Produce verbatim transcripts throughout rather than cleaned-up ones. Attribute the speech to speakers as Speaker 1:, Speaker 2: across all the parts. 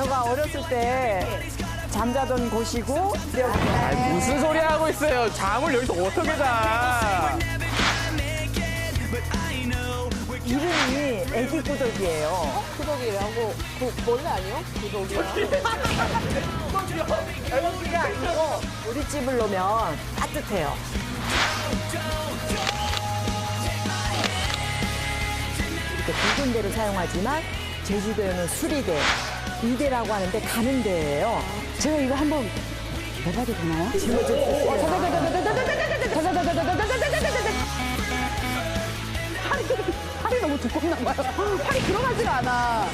Speaker 1: 저가 어렸을 때 잠자던 곳이고
Speaker 2: 아니, 무슨 소리 하고 있어요? 잠을 여기서 어떻게 자?
Speaker 1: 이름이 애기 구덕이에요.
Speaker 3: 구덕이라고 그 원래 아니요? 구덕이야.
Speaker 1: 애기가 아니고 우리 집을 놓으면 따뜻해요. 이렇게 두 군데를 사용하지만 제주도에는 수리대, 이대라고 하는데 가는 데예요.
Speaker 4: 제가 이거 한번 해봐도 되나요? 팔이, 팔이 너무 두껍나 봐요. 팔이 들어가지가 않아.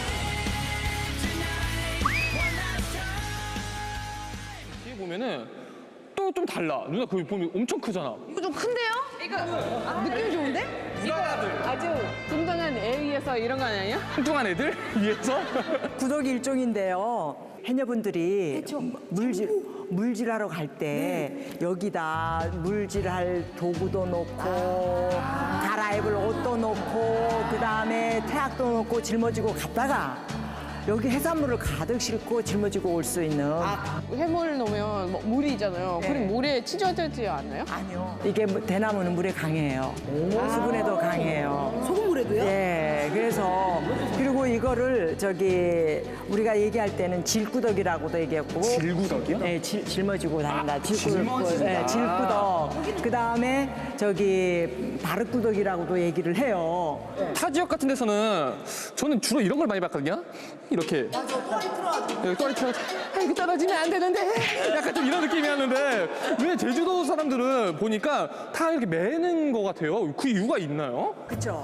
Speaker 2: 뒤에 보면은 또 좀 달라. 누나 거기 보면 엄청 크잖아.
Speaker 4: 이거 좀 큰데요? 이거 느낌이 좋은데?
Speaker 3: 아주 뚱뚱한 애 위해서 이런 거 아니에요?
Speaker 2: 뚱뚱한 애들 위에서?
Speaker 1: 구덕이 일종인데요. 해녀분들이 물질, 물질하러 갈 때 여기다 물질할 도구도 놓고 갈아입을 옷도 놓고 그다음에 태학도 놓고 짊어지고 갔다가 여기 해산물을 가득 싣고 짊어지고 올 수 있는
Speaker 3: 해물 넣으면 뭐 물이 있잖아요.
Speaker 1: 네.
Speaker 3: 그럼 물에 찢어지지 않나요?
Speaker 1: 아니요. 이게 뭐 대나무는 물에 강해요. 수분에도 강해요.
Speaker 4: 소금물에도요?
Speaker 1: 예, 그래서 그리고 이거를 저기 우리가 얘기할 때는 질구덕이라고도 얘기했고
Speaker 2: 질구덕이요?
Speaker 1: 네, 질, 짊어지고 다닌다.
Speaker 2: 아,
Speaker 1: 질구,
Speaker 2: 짊어진다.
Speaker 1: 네, 질구덕. 그 다음에 저기 바르구덕이라고도 얘기를 해요.
Speaker 2: 타 지역 같은 데서는 저는 주로 이런 걸 많이 봤거든요. 이렇게. 맞아, 털이 틀어가지고. 털이 틀어가지고. 아, 이거 떨어지면 안 되는데. 약간 좀 이런 느낌이었는데 왜 제주도 사람들은 보니까 다 이렇게 매는 것 같아요. 그 이유가 있나요?
Speaker 1: 그렇죠.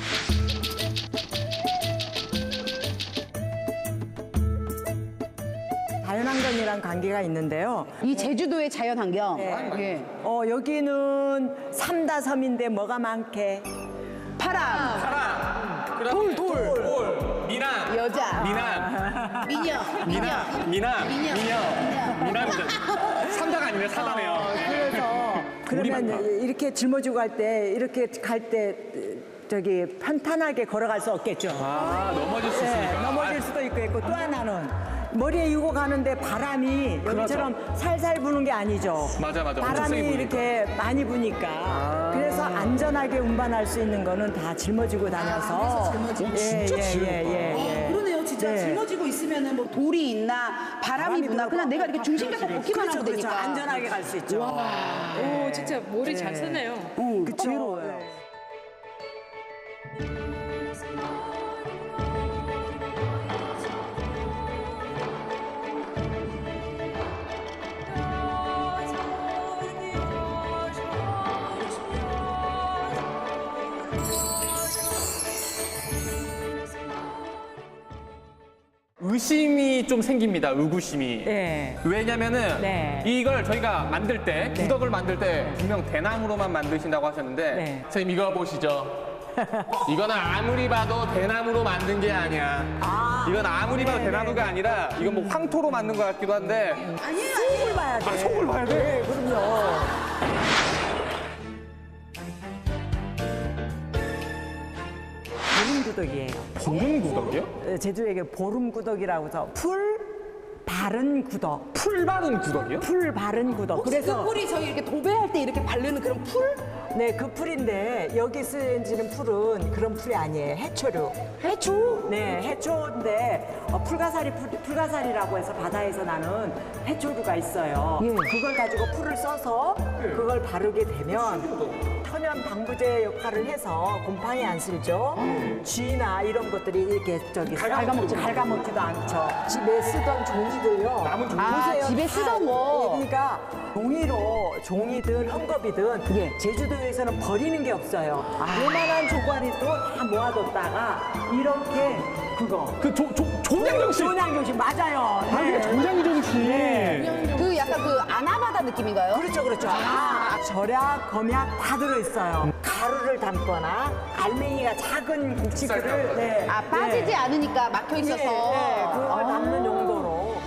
Speaker 1: 자연환경이랑 관계가 있는데요.
Speaker 4: 이 제주도의 자연환경.
Speaker 1: 네.
Speaker 4: 예.
Speaker 1: 어, 여기는 삼다섬인데 뭐가 많게?
Speaker 4: 파랑,
Speaker 2: 돌, 돌, 돌. 미남.
Speaker 4: 여자,
Speaker 2: 미남.
Speaker 4: 미녀,
Speaker 2: 미남. 미남.
Speaker 4: 미녀.
Speaker 2: 미녀. 미남이죠. 삼자가 아니라 사다네요.
Speaker 1: 그래서
Speaker 2: 물이
Speaker 1: 그러면
Speaker 2: 많다.
Speaker 1: 이렇게 짊어지고 갈 때 이렇게 갈 때 저기 편탄하게 걸어갈 수 없겠죠.
Speaker 2: 아, 넘어질 수
Speaker 1: 네,
Speaker 2: 있으니까.
Speaker 1: 넘어질 수도 있고 있고 또 하나는 머리에 이고 가는데 바람이 여기처럼 살살 부는 게 아니죠.
Speaker 2: 맞아, 맞아. 엄청
Speaker 1: 바람이
Speaker 2: 세게 부니까.
Speaker 1: 이렇게 많이 부니까 그래서 안전하게 운반할 수 있는 거는 다 짊어지고 다녀서
Speaker 4: 짊어지고.
Speaker 2: 진짜
Speaker 1: 예,
Speaker 2: 짊어.
Speaker 1: 예, 예, 예.
Speaker 4: 그러네요, 진짜.
Speaker 1: 네.
Speaker 4: 짊어지고 있으면은 뭐 돌이 있나, 바람이 부나, 그냥 내가 이렇게 중심 잡고 걷기만
Speaker 1: 그렇죠,
Speaker 4: 하면
Speaker 1: 그렇죠.
Speaker 4: 되니까.
Speaker 1: 안전하게 갈 수 있죠.
Speaker 3: 오, 진짜 머리 잘
Speaker 1: 네.
Speaker 3: 쓰네요.
Speaker 4: 응,
Speaker 1: 그쵸?
Speaker 4: 지혜로워요.
Speaker 1: 네.
Speaker 2: 의심이 좀 생깁니다. 의구심이.
Speaker 1: 네.
Speaker 2: 왜냐면은
Speaker 1: 네.
Speaker 2: 이걸 저희가 만들 때
Speaker 1: 네.
Speaker 2: 구덕을 만들 때 분명 대나무로만 만드신다고 하셨는데
Speaker 1: 네.
Speaker 2: 선생님 이거 보시죠. 이거는 아무리 봐도 대나무로 만든 게 아니야.
Speaker 1: 아,
Speaker 2: 이건 아무리 봐도
Speaker 1: 네,
Speaker 2: 대나무가
Speaker 1: 네.
Speaker 2: 아니라 이건 뭐 황토로 만든 것 같기도 한데
Speaker 1: 속을 봐야 돼.
Speaker 2: 아, 속을 봐야 돼?
Speaker 1: 네, 그럼요. 보름구덕이에요.
Speaker 2: 보름 구덕이요?
Speaker 1: 제주에게 보름구덕이라고 해서 풀 바른 구덕.
Speaker 2: 풀 바른 구덕이요?
Speaker 1: 풀 바른 구덕. 그래서
Speaker 4: 그 풀이 저희 이렇게 도배할 때 이렇게 바르는 그런 풀?
Speaker 1: 네, 그 풀인데 여기 쓰여지는 풀은 그런 풀이 아니에요. 해초류. 해초? 네, 해초인데 어, 풀가사리 풀, 풀가사리라고 해서 바다에서 나는 해초류가 있어요.
Speaker 4: 예.
Speaker 1: 그걸 가지고 풀을 써서 그걸 바르게 되면 천연 방부제 역할을 해서 곰팡이 안 쓸죠. 쥐나 이런 것들이 이렇게 저기 갉아먹지 갉아먹지도 않죠. 집에 쓰던 종이들요.
Speaker 2: 남은 종이.
Speaker 4: 아,
Speaker 1: 보세요.
Speaker 4: 집에
Speaker 1: 다,
Speaker 4: 쓰던 거.
Speaker 1: 예, 그러니까 종이로 종이든 헝겊이든
Speaker 4: 예.
Speaker 1: 제주도에서는 버리는 게 없어요. 요만한 조가리도 다 모아뒀다가 이렇게 그거
Speaker 2: 그 조, 조, 조장정씨.
Speaker 1: 조량교식 맞아요.
Speaker 2: 아, 이게 조장정씨.
Speaker 1: 네.
Speaker 4: 그 약간 그 아나바다 느낌인가요?
Speaker 1: 그렇죠, 그렇죠. 아, 절약, 검약 다 들어있어요. 가루를 담거나 알맹이가 작은 국지들을 네,
Speaker 4: 아, 빠지지
Speaker 1: 네.
Speaker 4: 않으니까 막혀
Speaker 1: 예,
Speaker 4: 있어서.
Speaker 1: 예, 그걸
Speaker 4: 아.
Speaker 1: 담는 용도로.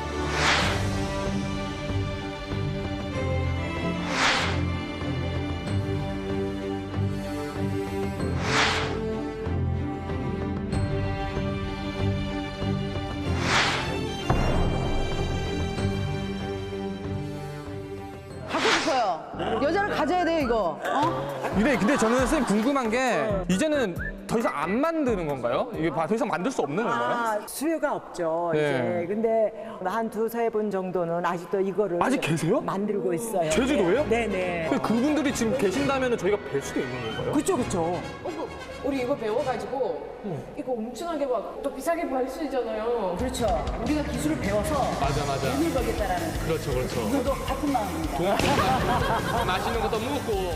Speaker 4: 이거. 어?
Speaker 2: 근데, 근데 저는 선생님 궁금한 게 이제는 더 이상 안 만드는 건가요? 이게 더 이상 만들 수 없는 건가요?
Speaker 1: 아, 수요가 없죠.
Speaker 2: 네.
Speaker 1: 이제 근데 한 두세 분 정도는 아직도 이거를
Speaker 2: 아직 계세요?
Speaker 1: 만들고 있어요.
Speaker 2: 제주도예요?
Speaker 1: 네, 네.
Speaker 2: 근데 그분들이 지금 계신다면 저희가 뵐 수도 있는 건가요?
Speaker 1: 그렇죠, 그렇죠.
Speaker 3: 우리 이거 배워가지고 이거 엄청나게 막 또 비싸게 팔 수 있잖아요.
Speaker 4: 그렇죠. 우리가 기술을 배워서
Speaker 2: 맞아, 맞아.
Speaker 4: 돈을 벌겠다라는.
Speaker 2: 그렇죠, 그렇죠.
Speaker 4: 저도 같은 마음입니다.
Speaker 2: 맛있는 것도 먹고.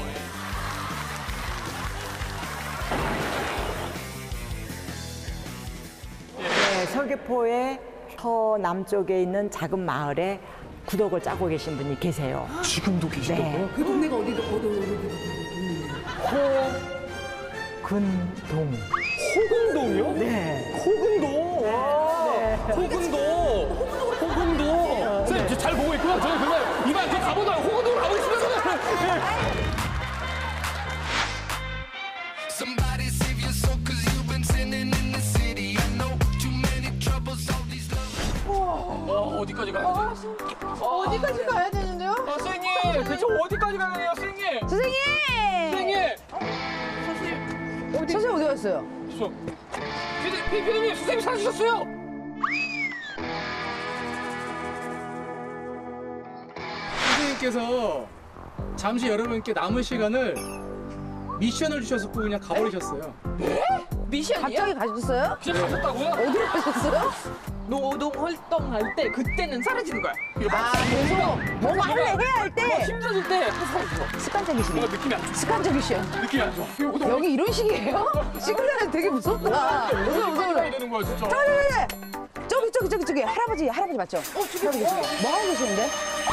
Speaker 1: 네, 서귀포의 더 남쪽에 있는 작은 마을에 구덕을 짜고 계신 분이 계세요.
Speaker 2: 지금도 계시다고요?
Speaker 1: 네.
Speaker 4: 그 동네가 어디도 어디
Speaker 1: 근동.
Speaker 2: 호금동이요?
Speaker 1: 네.
Speaker 2: 호금동. 와. 호금동. 호금동. 선생님, 잘 보고 있고요. 저는 그날 이만 저 가보다 호금동으로 가고 있습니다.
Speaker 5: Somebody save your soul cause you've been sinning in the city. I know too many troubles, all these love.
Speaker 2: 어, 어디까지 가야 돼?
Speaker 3: 어디까지 가야 되는데요?
Speaker 2: 어, 선생님, 대체 어디까지 가야 돼요, 선생님?
Speaker 4: 선생님!
Speaker 2: 선생님!
Speaker 4: 선생님 어디 갔어요?
Speaker 2: 저, 피디, 피- 피디님, 선생님 사주셨어요!
Speaker 6: 선생님께서 잠시 여러분께 남은 시간을 미션을 주셔서 그냥 가버리셨어요.
Speaker 3: 미션이요?
Speaker 4: 갑자기 가셨어요?
Speaker 2: 그냥 가셨다고요?
Speaker 4: 어디로 가셨어요?
Speaker 3: 노동 활동할 때 그때는 사라지는 거야.
Speaker 4: 아, 그래서 뭐 할래 해야 할 때
Speaker 3: 힘들어질 때 사라져.
Speaker 4: 습관적이시네.
Speaker 2: 뭔가 느낌이 안 좋아.
Speaker 4: 습관적이셔.
Speaker 2: 느낌이 안 좋아. 이거
Speaker 4: 여기 이런 식이에요? 시그널 되게 무섭다. 무서워,
Speaker 2: 어디까지
Speaker 4: 무서워.
Speaker 2: 가야 되는 거야, 진짜?
Speaker 4: 네, 저기, 저기, 저기, 저기. 할아버지, 할아버지 맞죠? 어, 저기, 저기. 뭐 하고 계시는데?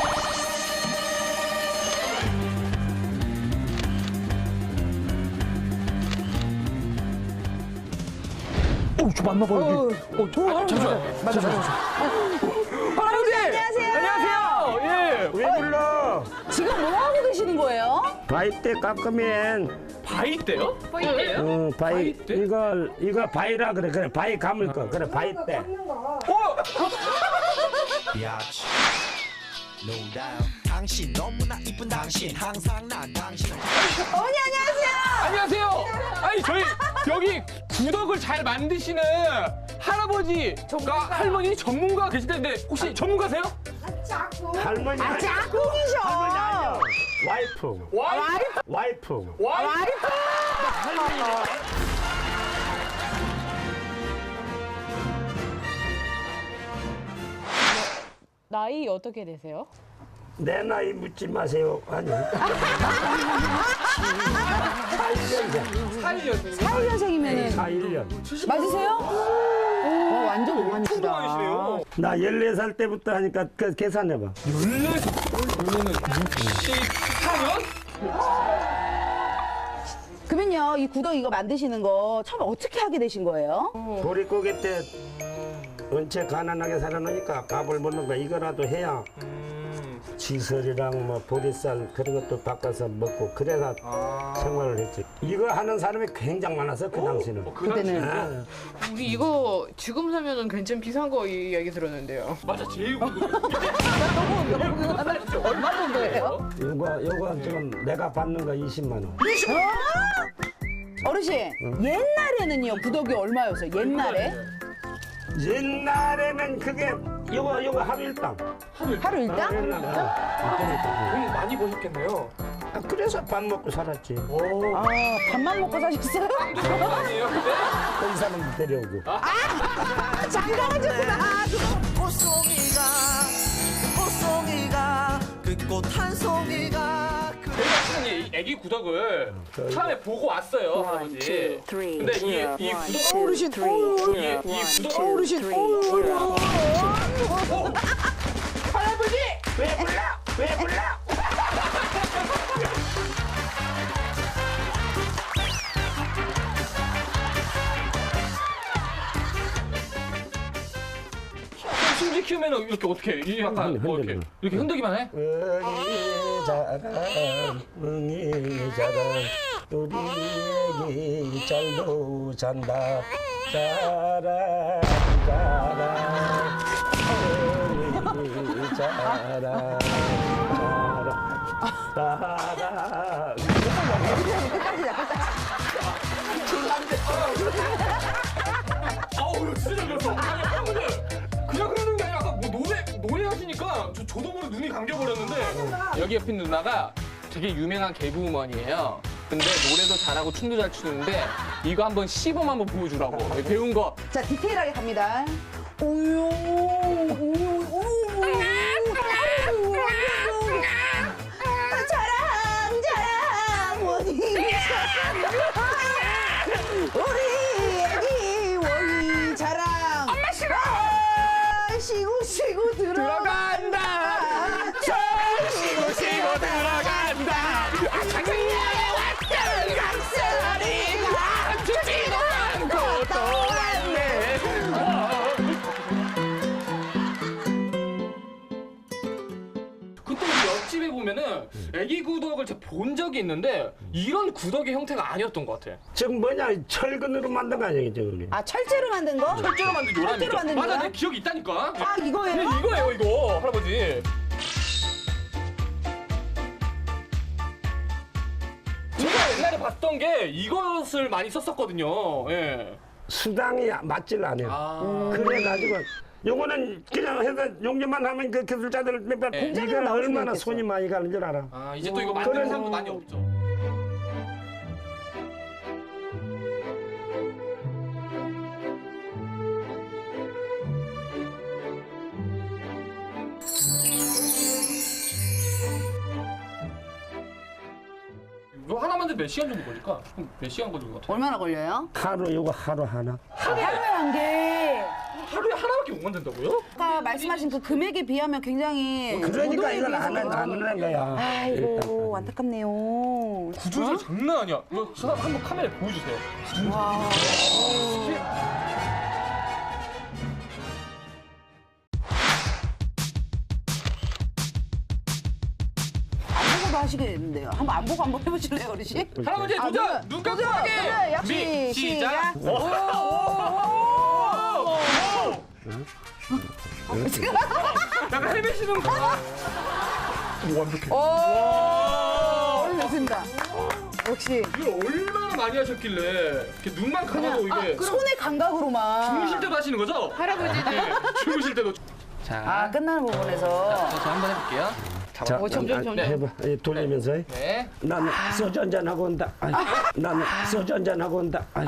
Speaker 2: 어, 저 맞나봐요, 여기. 어, 저, 아, 잠시만. 맞아, 맞아.
Speaker 4: 할아버지! 안녕하세요.
Speaker 2: 안녕하세요. 예.
Speaker 7: 왜 불러?
Speaker 4: 지금 뭐 하고 계시는 거예요?
Speaker 7: 바위 때 깎으면
Speaker 2: 바위 때요?
Speaker 7: 어, 바위
Speaker 2: 바위 때?
Speaker 7: 이거 이거 바위라 그래 그래 바위 감을 거 그래 바위 때
Speaker 5: Biatch. No doubt. 당신 너무나 이쁜 당신 항상 난 당신.
Speaker 4: 어머니, 안녕하세요.
Speaker 2: 안녕하세요. 아니, 저희 여기 구덕을 잘 만드시는 할아버지가 할머니 전문가 계시다는데 혹시 전문가세요?
Speaker 7: 할머니
Speaker 4: 아, 짝꿍이셔.
Speaker 7: 할머니 아니야 와이프
Speaker 2: 와이프.
Speaker 7: 와이프
Speaker 2: 와이프.
Speaker 3: 나이 어떻게 되세요?
Speaker 7: 내 나이 묻지 마세요 아니 사일 년생
Speaker 2: 사일년생.
Speaker 4: 사일 년생이면은
Speaker 7: 사일 년
Speaker 4: 맞으세요? 와, 완전 동안이시다.
Speaker 2: 통통하시네요.
Speaker 7: 나 열네 살 때부터 하니까 그 계산해봐
Speaker 2: 열네 살. 그러면은 육십사 년?
Speaker 4: 그러면요, 이 구덕 이거 만드시는 거 처음 어떻게 하게 되신 거예요?
Speaker 7: 보릿고개 때 은채 가난하게 살아놓으니까 밥을 먹는 거 이거라도 해야 지설이랑 뭐 보리쌀 그런 것도 바꿔서 먹고 그래서 생활을 했지. 이거 하는 사람이 굉장히 많아서 그 당시는.
Speaker 4: 그때는.
Speaker 7: 아,
Speaker 3: 우리 이거 지금 사면은 괜찮 비싼 거 이야기 들었는데요.
Speaker 2: 맞아, 제일
Speaker 4: 얼마 정도예요?
Speaker 7: 이거 이거 지금 내가 받는 거 이십만 원.
Speaker 4: 어르신, 옛날에는요, 구덕이 얼마였어요? 옛날에?
Speaker 7: 옛날에는 그게 이거 이거 하루 일당.
Speaker 4: 하루 일당?
Speaker 7: 옛날에. 아,
Speaker 2: 돈 많이 버셨겠네요.
Speaker 7: 아, 그래서 밥 먹고 살았지.
Speaker 4: 아, 밥만 먹고 사셨어요?
Speaker 2: 아니에요, 근데?
Speaker 7: 그 사람 데려오고.
Speaker 4: 아, 장가가셨구나.
Speaker 5: 꽃송이가 꽃송이가 그 꽃 한 송이가 그
Speaker 2: 저희가 이 애기 구덕을 처음에 보고 왔어요, 할아버지. 근데 이, 이 구덕
Speaker 4: 어르신,
Speaker 2: 이, 이 구덕
Speaker 4: 어르신,
Speaker 2: 할아버지!
Speaker 7: 왜 불러? 왜 불러?
Speaker 2: 숨지 키우면 이렇게 어떻게 해? 이 약간 뭐 이렇게
Speaker 7: 흔들어.
Speaker 2: 이렇게 흔들기만 해?
Speaker 7: 응이자가 응이자가 우리 애기 잘도 잔다 자라 자라 응이자라 자라 따라.
Speaker 2: 아우 이거 진짜 잘 그렸어. 아니 여러분들 그냥 그러는 게 아니라 아까 뭐 노래 노래 하시니까 저 저도 모르게 눈이 감겨버렸는데 여기 옆에 누나가 되게 유명한 개그우먼이에요. 근데 노래도 잘하고 춤도 잘 추는데 이거 한번 시범 한번 보여주라고 배운 거.
Speaker 4: 자, 디테일하게 갑니다. 오요, 오요, 오요. 자랑, 자랑, 원희. 우리 애기 원희 자랑. 엄마 싫어. 쉬고 쉬고 들어간다.
Speaker 2: 쉬고 쉬고 들어간다. 아 장생이야 왔던 강철이가 죽지도 않고 또 왔네. 그때 우리 옆집에 보면은 애기 구덕을 제가 본 적이 있는데 이런 구덕의 형태가 아니었던 것 같아.
Speaker 7: 지금 뭐냐 철근으로 만든 거 아니야 저거는.
Speaker 4: 아, 철제로 만든 거?
Speaker 2: 철제로 만든 요람이죠.
Speaker 4: 철제로 만든
Speaker 2: 맞아,
Speaker 4: 요람?
Speaker 2: 내 기억이 있다니까.
Speaker 4: 아, 이거예요?
Speaker 2: 네, 이거예요, 이거 할아버지. 제가 옛날에 봤던 게 이것을 많이 썼었거든요. 예.
Speaker 7: 수당이 맞질 않아요.
Speaker 2: 아.
Speaker 7: 그래가지고 요거는 그냥 해서 용접만 하면 그 기술자들 몇번
Speaker 2: 네.
Speaker 7: 이거
Speaker 4: 나올 수도
Speaker 7: 얼마나
Speaker 4: 있겠어.
Speaker 7: 손이 많이 가는 줄 알아.
Speaker 2: 아, 이제 또 이거 만드는
Speaker 7: 그래서-
Speaker 2: 사람도 많이 없죠. 이거 하나 만들 몇 시간 정도 걸릴까? 몇 시간 걸릴 것 같아?
Speaker 4: 얼마나 걸려요?
Speaker 7: 하루 요거 하루 하나.
Speaker 4: 하루에 한 개.
Speaker 2: 하루에 하나밖에 못 만든다고요?
Speaker 4: 아까 말씀하신 그 금액에 비하면 굉장히
Speaker 7: 그러니까
Speaker 4: 저도에
Speaker 7: 이걸 안
Speaker 4: 비해서
Speaker 7: 하는 하는 거야.
Speaker 4: 아이고 안타깝네요.
Speaker 2: 구조조 장난 아니야. 이거 수납 한번 카메라에 보여주세요.
Speaker 4: 안 보고도 하시겠는데요. 한번 안 보고 한번 해보실래요, 어르신?
Speaker 2: 할아버지
Speaker 4: 아,
Speaker 2: 도전!
Speaker 4: 도전!
Speaker 2: 눈
Speaker 4: 도전!
Speaker 2: 감고 하기!
Speaker 4: 도전! 역시
Speaker 2: 미,
Speaker 4: 시작!
Speaker 2: 오! 오! 약간 헤매시는 거. 오, 완벽해.
Speaker 4: 오, 됐습니다. 역시
Speaker 2: 이걸 얼마나 많이 하셨길래 이렇게 눈만 감아도 이게
Speaker 4: 손의 감각으로만.
Speaker 2: 주무실 때도 하시는 거죠?
Speaker 3: 할아버지
Speaker 2: 네, 주무실 때도. 자,
Speaker 4: 아, 끝나는 부분에서.
Speaker 2: 저 한번 해볼게요.
Speaker 7: 자,
Speaker 3: 어, 점점,
Speaker 7: 아,
Speaker 3: 점점.
Speaker 7: 해봐. 예, 돌리면서. 해.
Speaker 2: 네.
Speaker 7: 나는 소주 한잔 하고 온다. 아이, 나는 소주 한잔 하고 온다. 아이.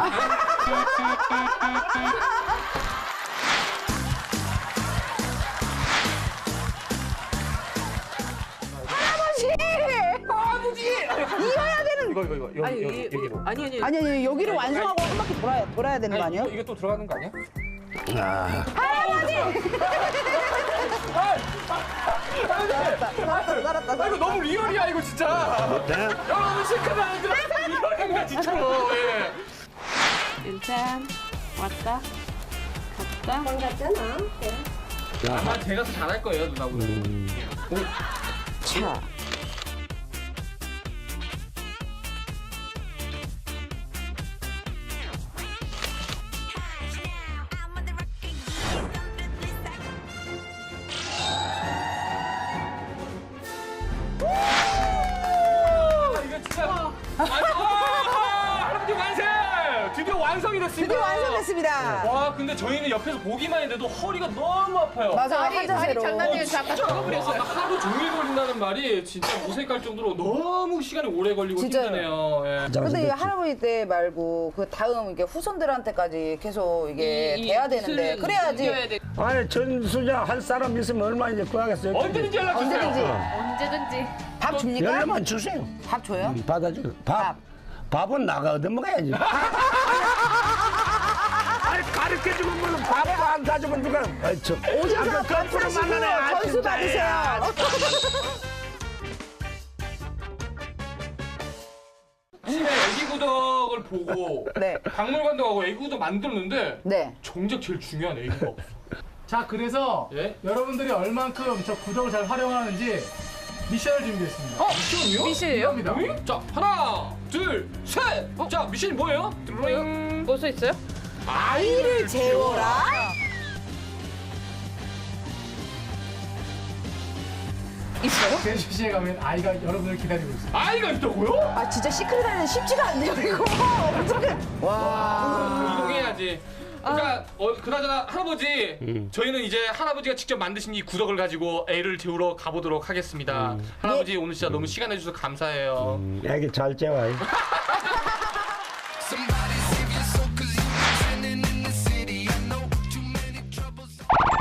Speaker 4: 이어야 되는.
Speaker 2: 이거 이거 이거 여기
Speaker 3: 아니,
Speaker 2: 여기
Speaker 3: 이-
Speaker 2: 여기로.
Speaker 3: 아니 아니
Speaker 4: 아니, 아니, 여기를 완성하고 한 바퀴 돌아야, 돌아야 되는 거
Speaker 2: 아니,
Speaker 4: 아니에요?
Speaker 2: 이거, 이거 또 들어가는 거 아니야?
Speaker 4: 살았다, 살았다,
Speaker 2: 아
Speaker 4: 살았다.
Speaker 2: 이거 너무 리얼이야 이거 진짜.
Speaker 7: 어때?
Speaker 2: 여러분 시크한 안 들어. 리얼이야 진짜로. 예.
Speaker 3: 일단 왔다 갔다
Speaker 2: 아마 제가 더 잘할 거예요 누나보다.
Speaker 4: 자.
Speaker 2: 이거 진짜. 아, 할아버지 완성! 드디어 완성이 됐습니다.
Speaker 4: 드디어 완성됐습니다.
Speaker 2: 와 근데 저희는 옆에서 보기만 했는데도 허리가 너무 아파요.
Speaker 4: 맞아,
Speaker 3: 다리 다리
Speaker 4: 한자세로.
Speaker 3: 장난이에요. 저 아까 적어버렸어요.
Speaker 2: 아까 하루 종일 걸린다는 말이 진짜 무색할 정도로 너무 시간이 오래 걸리고
Speaker 4: 진짜요.
Speaker 2: 힘드네요. 예.
Speaker 4: 근데 이 할아버지 때 말고 그 다음 이게 후손들한테까지 계속 이게 돼야 되는데 그래야지
Speaker 3: 이겨야 돼.
Speaker 7: 아니 전수자 할 사람 있으면 얼마 이제 구하겠어요.
Speaker 2: 언제든지 연락 주세요.
Speaker 4: 언제든지
Speaker 3: 언제든지
Speaker 4: 밥 줍니까?
Speaker 7: 연락만 주세요.
Speaker 4: 밥 줘요?
Speaker 7: 음, 받아줘. 밥.
Speaker 4: 밥.
Speaker 7: 밥은 나가 얻어 먹어야지. 아니 가르쳐주면 뭐는 밥을 안 사주면 누가? 아이 참.
Speaker 4: 오셔서
Speaker 7: 아, 그
Speaker 4: 밥
Speaker 7: 거꾸로
Speaker 4: 사시고
Speaker 7: 만나네. 아,
Speaker 4: 전수
Speaker 7: 진짜.
Speaker 4: 받으세요.
Speaker 2: 집에 애기 구덕을 보고
Speaker 4: 네.
Speaker 2: 박물관도 가고 애기 구덕 만들었는데
Speaker 4: 네.
Speaker 2: 정작 제일 중요한 애기가 없어.
Speaker 6: 자, 그래서
Speaker 2: 예?
Speaker 6: 여러분들이 얼만큼 저 구덕을 잘 활용하는지 미션을 준비했습니다.
Speaker 2: 미션이요?
Speaker 3: 미션이에요?
Speaker 6: 갑니다.
Speaker 2: 응? 자 하나 둘 셋. 자 미션이 뭐예요? 드로잉.
Speaker 3: 뭐 써 있어요?
Speaker 4: 아이를 재워라. 있어요?
Speaker 6: 제주시에 가면 아이가 여러분을 기다리고 있어요.
Speaker 2: 아이가 있다고요?
Speaker 4: 아 진짜 시크릿 하는 쉽지가 않네요 이거. 어떻게? 와.
Speaker 2: 이동해야지. 그러니까 어, 그나저나 할아버지 저희는 이제 할아버지가 직접 만드신 이 구덕을 가지고 애를 재우러 가보도록 하겠습니다. 할아버지 오늘 진짜 너무 시간 내주셔서 감사해요.
Speaker 7: 애기 잘 재워.
Speaker 5: Somebody save your soul, cause you've been sinning in the city. I know too many troubles.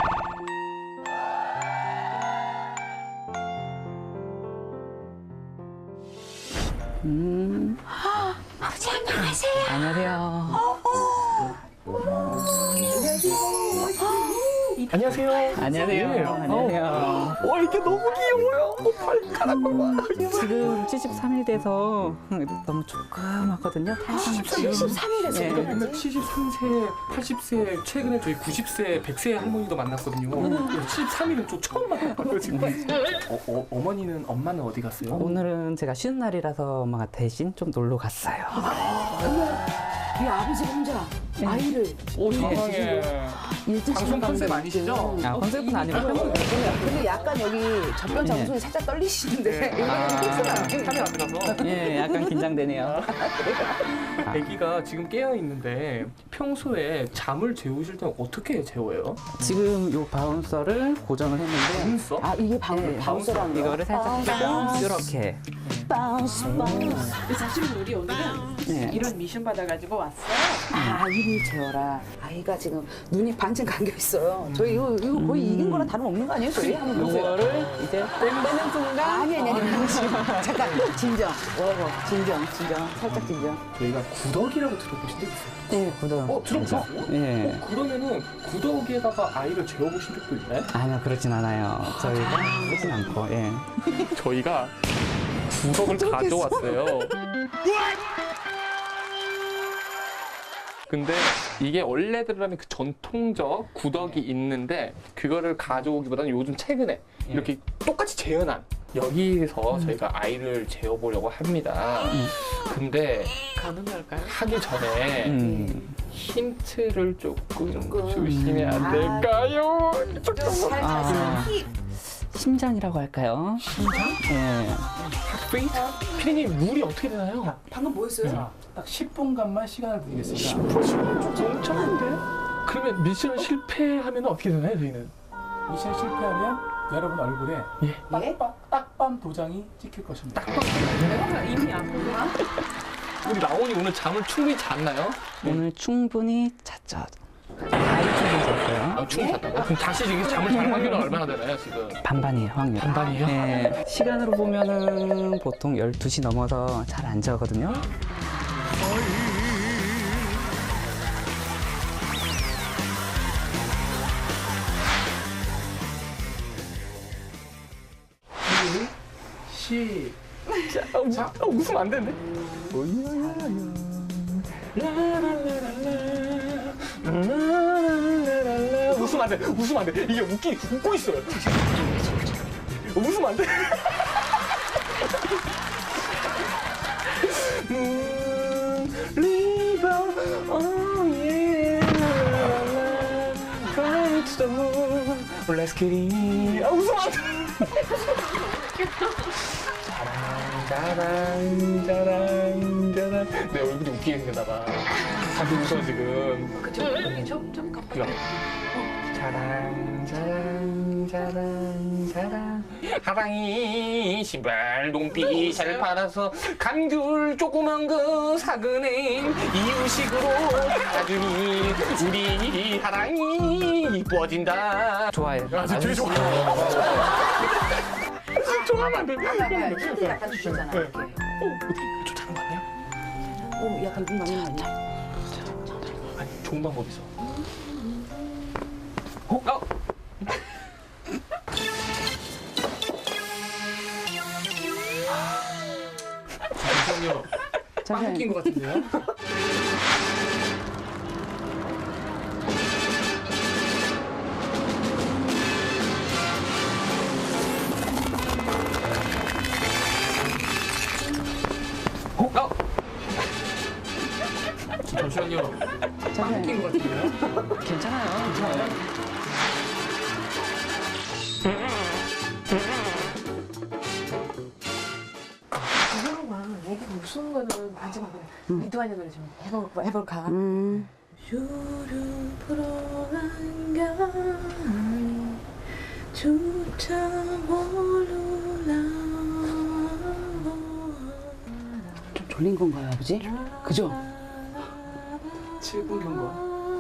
Speaker 2: 안녕하세요.
Speaker 8: 안녕하세요. 안녕하세요.
Speaker 2: 와 이게 너무 귀여워요. 발가락 봐봐.
Speaker 8: 지금 칠십삼 일 돼서 너무 조그맣거든요.
Speaker 4: 칠십삼 일에서
Speaker 8: 네.
Speaker 2: 맨날 칠십삼 세, 팔십 세, 최근에 저희 구십 세, 백 세 할머니도 만났거든요. 칠십삼 일은 좀 처음 만났어요 지금. 어, 어, 어머니는 엄마는 어디 갔어요?
Speaker 8: 오늘은 제가 쉬는 날이라서 엄마가 대신 좀 놀러 갔어요.
Speaker 4: 이 아버지 혼자 아이를
Speaker 2: 오 세상에. 방송 컨셉 아니시죠?
Speaker 8: 아, 컨셉은 아니고 평소에
Speaker 4: 근데 약간 여기 접변 장소에 살짝 떨리시는데 이거는 픽스가 아니에요.
Speaker 2: 카메라 안 들어서.
Speaker 8: 예, 약간 긴장되네요.
Speaker 2: 아기가 지금 깨어 있는데 평소에 잠을 재우실 때는 어떻게 재워요?
Speaker 8: 지금 요 바운서를 고정을 했는데
Speaker 2: 눈써?
Speaker 4: 아 이게 방 바운서라는 거.
Speaker 8: 이거를 살짝 빼고 이렇게
Speaker 3: 사실 우리 오늘은
Speaker 8: 네.
Speaker 3: 이런 미션 받아가지고 왔어요.
Speaker 4: 아 이를 재워라. 아이가 지금 눈이 반쯤 감겨 있어요. 저희 이거, 이거 거의 이긴 거랑 다름없는 거 아니에요? 저희 한번 보세요.
Speaker 8: 요거를 이제 빼는 순간
Speaker 4: 아니 아니 아니 잠깐 진정. 와 진정 진정 살짝 진정.
Speaker 2: 저희가 구덕이라고 들어보신 적 있어요?
Speaker 8: 네, 구독.
Speaker 2: 어 들어보셨어요?
Speaker 8: 예.
Speaker 2: 어, 그러면은 구덕에다가 아이를 재워보신 적도 있나요?
Speaker 8: 아니요, 그렇진 않아요. 저희가 그렇진 않고, 예.
Speaker 2: 저희가 구덕을 가져왔어요. 근데 이게 원래대로라면 그 전통적 구덕이 있는데 그거를 가져오기보다는 요즘 최근에 이렇게 똑같이 재현한 여기서 저희가 아이를 재워보려고 합니다. 근데
Speaker 3: 가능할까요?
Speaker 2: 하기 전에
Speaker 8: 음.
Speaker 2: 힌트를 조금 주시면 안 될까요?
Speaker 8: 아, 심장이라고 할까요?
Speaker 2: 심장?
Speaker 8: 예.
Speaker 2: 페이트? 피디님 룰이 어떻게 되나요?
Speaker 4: 방금 뭐 했어요?
Speaker 6: 딱 십 분간만 시간을 드리겠습니다.
Speaker 2: 엄청난데? 그러면 미션 실패하면 어떻게 되나요, 저희는?
Speaker 6: 미션 실패하면 여러분 얼굴에
Speaker 2: 예.
Speaker 6: 딱밤, 딱밤 도장이 찍힐 것입니다.
Speaker 3: 이미 안 보나?
Speaker 2: 우리 라온이 오늘 잠을 충분히 잤나요?
Speaker 8: 오늘 충분히 잤죠. 아이 충분히 잤어요.
Speaker 2: 아, 충분히 잤다고? 그럼 다시 지금 잠을 잘 확률은 얼마나 되나요, 지금?
Speaker 8: 반반이에요, 확률.
Speaker 2: 반반이에요?
Speaker 8: 예. 시간으로 보면은 보통 열두 시 넘어서 잘 안 자거든요.
Speaker 6: 시
Speaker 2: 아, 웃, 아, 웃으면 안 되는데? 웃으면 안 돼, 웃으면 안 돼. 이게 웃기, 웃고 있어요. 웃으면 안 돼. Moon, oh yeah. Fly to the moon. Let's get it. 아, 웃으면 안 돼. 짜란, 짜란, 짜란. 내 얼굴이 웃기게 생겼나 봐. 다들 웃어, 지금.
Speaker 3: 그쵸? 여기 좀, 좀 깜빡.
Speaker 2: 그거. 짜란, 짜란, 짜란, 짜란. 하랑이 신발 농빛을 팔아서 감귤 조그만 거 사그네 이유식으로 사주니 우리 하랑이 이뻐진다.
Speaker 8: 좋아요.
Speaker 2: 아, 진짜 되게 좋아. 좋아하면 안 돼.
Speaker 4: 힌트 약간 주셨잖아요. 이렇게.
Speaker 2: 어, 어떻게 좋다는 거 같네요?
Speaker 4: 오 약간 눈 맞는 거 아니야?
Speaker 2: 아니, 좋은 방법 있어. 어? 어? 잠시만요. 빵 웃긴 것 같은데요? 어? 어? 잠시만요. 빵 웃긴 것 같은데요?
Speaker 8: 괜찮아요. 괜찮아요.
Speaker 3: 추운 거는 반지만 그래. 이두환이 노래 좀 해볼까? 해볼까?
Speaker 4: 음.
Speaker 3: 유를 불어난가 조차 모르라.
Speaker 4: 좀 졸린 건가요, 아버지? 그죠?
Speaker 6: 칠 분 경과.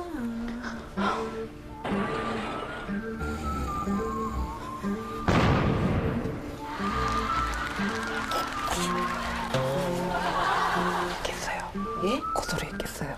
Speaker 4: 예?
Speaker 8: 고소리 했겠어요.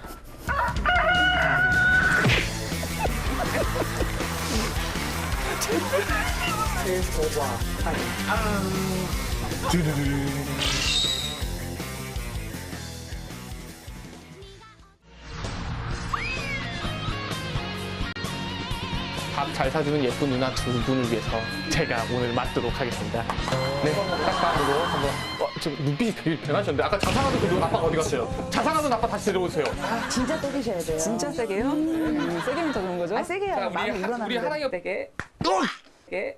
Speaker 2: 밥 잘 사주는 예쁜 누나 두 분을 위해서 제가 오늘 맡도록 하겠습니다. 네, 딱밤으로 한번. 어, 지금 눈빛이 되게 변하셨는데 아까 자상하던 그 아빠가 어디 갔어요? 자상하던 아빠 다시 데려오세요.
Speaker 4: 진짜 때리셔야 돼요.
Speaker 8: 진짜 세게요? 음, 세게면 더 좋은 거죠?
Speaker 4: 아, 세게 해야
Speaker 2: 자,
Speaker 4: 마음이
Speaker 2: 우리, 하- 우리
Speaker 4: 우러나는데.
Speaker 2: 하랑이
Speaker 8: 세게. 세게.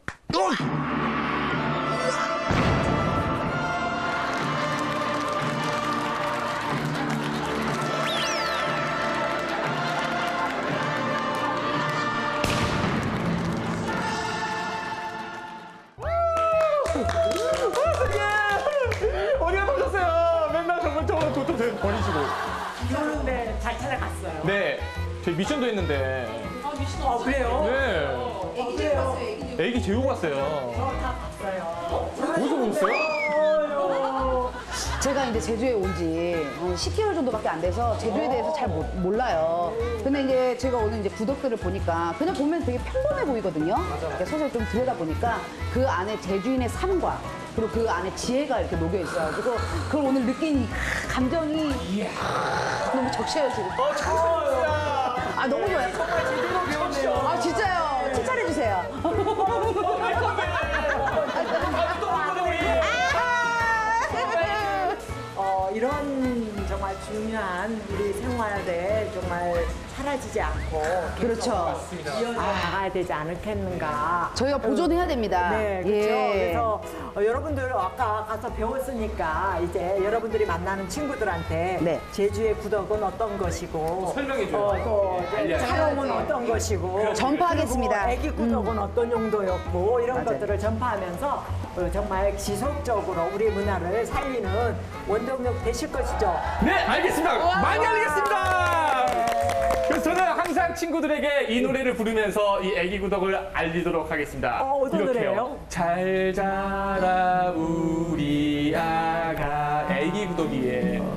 Speaker 2: 어디가 터졌어요? 맨날 저번 저번 도토 버리시고.
Speaker 1: 그런데 잘 찾아갔어요.
Speaker 2: 네, 저희 미션도 했는데.
Speaker 1: 아, 그래요?
Speaker 2: 네. 애기 재우고 왔어요. 애기 재우고 왔어요.
Speaker 1: 저다 봤어요.
Speaker 2: 어디서 보셨어요?
Speaker 4: 제가 이제 제주에 온 지 십 개월 정도밖에 안 돼서 제주에 대해서 잘 모- 몰라요. 근데 이제 제가 오늘 이제 구독들을 보니까 그냥 보면 되게 평범해 보이거든요. 이렇게 서서히 좀 들여다보니까 그 안에 제주인의 삶과 그리고 그 안에 지혜가 이렇게 녹여 있어가지고 그걸 오늘 느낀 이 감정이 너무 적셔요 지금.
Speaker 2: 어, 참습니다.
Speaker 4: 아 너무 좋아요.
Speaker 1: 정말 제대로 배웠네요.
Speaker 4: 아 진짜요. 칭찬해 주세요.
Speaker 1: 어, 이런 정말 중요한 우리 생활에 정말 사라지지 않고
Speaker 4: 그렇죠.
Speaker 1: 이어져 나가야 되지 않겠는가.
Speaker 4: 저희가 보존해야 됩니다.
Speaker 1: 네, 그렇죠.
Speaker 4: 예.
Speaker 1: 그래서 어, 여러분들 아까 가서 배웠으니까 이제 여러분들이 만나는 친구들한테
Speaker 4: 네.
Speaker 1: 제주의 구덕은 어떤 것이고
Speaker 2: 설명해줘요.
Speaker 1: 어, 또 이제
Speaker 2: 알려야죠.
Speaker 1: 촬영은 어떤 것이고
Speaker 4: 전파하겠습니다.
Speaker 1: 그리고 애기 구덕은 어떤 용도였고 이런
Speaker 4: 맞아요.
Speaker 1: 것들을 전파하면서 어, 정말 지속적으로 우리 문화를 살리는 원동력 되실 것이죠.
Speaker 2: 네, 알겠습니다. 많이 알겠습니다. 그래서 저는 항상 친구들에게 이 노래를 부르면서 이 애기 구덕을 알리도록 하겠습니다.
Speaker 1: 어, 어떤
Speaker 2: 이렇게요.
Speaker 1: 노래예요?
Speaker 2: 잘 자라 우리 아가 애기 구덕이에